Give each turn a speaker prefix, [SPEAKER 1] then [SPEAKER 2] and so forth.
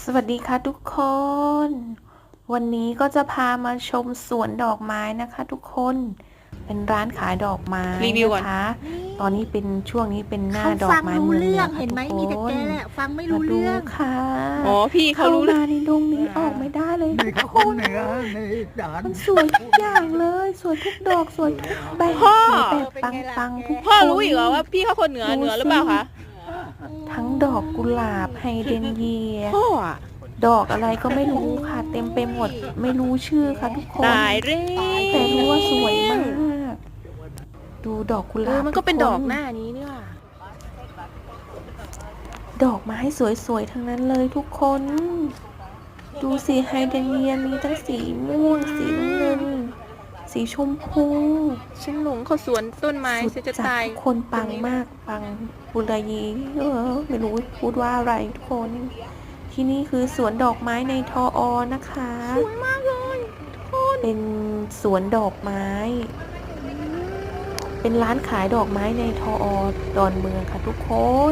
[SPEAKER 1] สวัสดีค่ะทุกคน วันนี้ก็จะพามาชมสวนดอกไม้นะคะทุกคน เป็นร้านขายดอกไม้
[SPEAKER 2] รีวิวก่อน
[SPEAKER 1] นะคะ ตอนนี้เป็นช่วงนี้เป็นหน้า
[SPEAKER 3] เขา
[SPEAKER 1] ดอ
[SPEAKER 3] ฟั
[SPEAKER 1] ก
[SPEAKER 3] ง
[SPEAKER 1] ไม้
[SPEAKER 3] รู้
[SPEAKER 1] เมืองเหนื
[SPEAKER 3] เรื่อ
[SPEAKER 1] อง ค่ะ
[SPEAKER 3] เห็น
[SPEAKER 1] ทุ
[SPEAKER 3] ไหม
[SPEAKER 1] กค
[SPEAKER 3] มีแต่แก
[SPEAKER 1] น
[SPEAKER 3] แหละฟังไม่
[SPEAKER 1] มา
[SPEAKER 3] รู้
[SPEAKER 1] ดู
[SPEAKER 3] เรื่อง
[SPEAKER 1] ค่ะ
[SPEAKER 2] อ๋อพี่เขา
[SPEAKER 1] เข้า
[SPEAKER 2] รู้เลย
[SPEAKER 1] มาในดงนี้ออกไม่ได้เลย
[SPEAKER 4] นี่
[SPEAKER 1] ทุ
[SPEAKER 4] เขา
[SPEAKER 1] ก
[SPEAKER 4] ค
[SPEAKER 1] คน น
[SPEAKER 4] เหนือนี่ด่าน
[SPEAKER 1] มันสวยทุกอย่างเลย สวยทุกดอกสวยทุกแบบ
[SPEAKER 2] พ่อ
[SPEAKER 1] มีแบบปังๆทุกคน
[SPEAKER 2] พ่อรู้อีกเหรอว่าพี่เขาคนเหนือหรือเปล่าคะ
[SPEAKER 1] ทั้งดอกกุหลาบไฮเดรนเยีย
[SPEAKER 2] พ่ออะ
[SPEAKER 1] ดอกอะไรก็ไม่รู้ค่ะ เต็มไปหมดไม่รู้ชื่อค่ะทุกคน
[SPEAKER 2] ตายเร่
[SPEAKER 1] แต่รู้ว่าสวยมาก ดูดอกกุหลาบ
[SPEAKER 2] มันก็เป็น
[SPEAKER 1] ทุค
[SPEAKER 2] ดอกหน้านี้นี่ว่ะ
[SPEAKER 1] ดอกไม้สวยๆทั้งนั้นเลยทุกคน ดูสีไฮเดรนเยียมีทั้งสีม่วงสีน้ำเงิน สีชมพู
[SPEAKER 2] ฉันหลงเขาสวนต้นไม้
[SPEAKER 1] สุ
[SPEAKER 2] ฉั
[SPEAKER 1] ด
[SPEAKER 2] นจะ
[SPEAKER 1] จัด
[SPEAKER 2] ตาย
[SPEAKER 1] ทุกคนปังมากปังบุรยีไม่รู้พูดว่าอะไรทุกคน ที่นี่คือสวนดอกไม้ในทออนะคะ
[SPEAKER 2] สวยมากเลยทุกคน
[SPEAKER 1] เป็นสวนดอกไม้ เป็นร้านขายดอกไม้ในทออดอนเมืองค่ะทุกคน